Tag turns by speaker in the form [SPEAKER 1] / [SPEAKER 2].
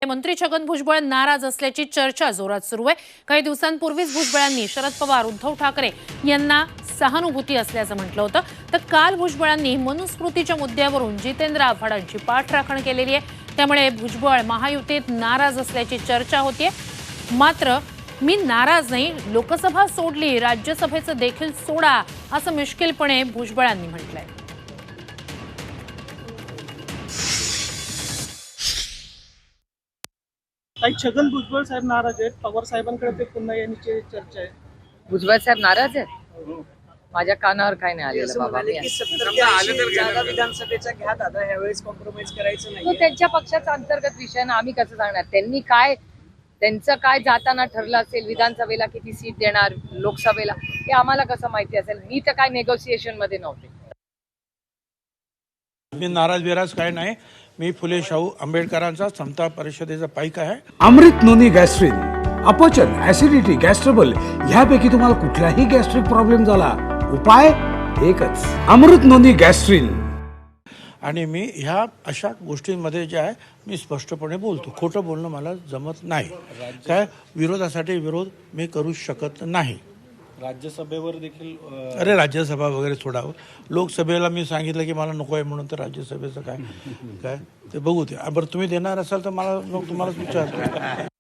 [SPEAKER 1] मंत्री छगन भुजबळ नाराज असल्याची चर्चा जोरात सुरू आहे। काही दिवसांपूर्वीच भुजबळांनी शरद पवार उद्धव ठाकरे यांना सहानुभूती असल्याचं म्हटलं होतं। तर काल भुजबळांनी मनुस्मृतीच्या मुद्द्यावरून जितेंद्र आव्हाडांची पाठराखण केलेली आहे। त्यामुळे भुजबळ महायुतीत नाराज असल्याची चर्चा होतीये। मात्र मी नाराज नाही, लोकसभा सोडली, राज्यसभेचं देखील सोडा, असं मिश्किलपणे भुजबळांनी म्हटलंय।
[SPEAKER 2] छगन भुजबळ साहेब नाराज आहेत, पवार साहेबांकडे ते पुन्हा यांची चर्चा आहे।
[SPEAKER 3] भुजबळ साहेब नाराज आहेत? माझ्या कानावर काय नाही आलेलं बाबा।
[SPEAKER 2] जागा विधानसभेचा घ्या दादा, यावेळेस कॉम्प्रोमाइज करायचं नाही।
[SPEAKER 3] तो त्यांच्या पक्षाचा अंतर्गत विषय ना, आम्ही कसं सांगणार? त्यांनी काय, त्यांचं काय जाताना ठरलं असेल, विधानसभेला किती सीट देणार, लोकसभेला, हे आम्हाला कसं माहिती असेल? मी तर काय नेगोसिएशन मध्ये नव्हते।
[SPEAKER 4] मी नाराज काय नाही। मी फुले शाहू आंबेडकरांचा समता परिषदेचा पाईक आहे।
[SPEAKER 5] अमृत नोनी गॅस्ट्रिन, अपचन, ऍसिडिटी, गॅस्ट्रबल ह्यापैकी तुम्हाला कुठलाही गॅस्ट्रिक प्रॉब्लेम झाला, उपाय एकच, अमृत नोनी गॅस्ट्रिन।
[SPEAKER 4] आणि मी ह्या अशा गोष्टींमध्ये जे आहे मी स्पष्टपणे बोलतो। खोटं बोलणं मला जमत नाही। काय विरोधासाठी विरोध मी करू शकत नाही।
[SPEAKER 6] राज्यसभेवर देखील
[SPEAKER 4] अरे राज्यसभा वगैरे सोडावं, लोकसभेला मी सांगितलं की मला नको आहे म्हणून, तर राज्यसभेचं काय ते बघू ते। बरं तुम्ही देणार असाल तर मला तुम्हालाच विचारतो।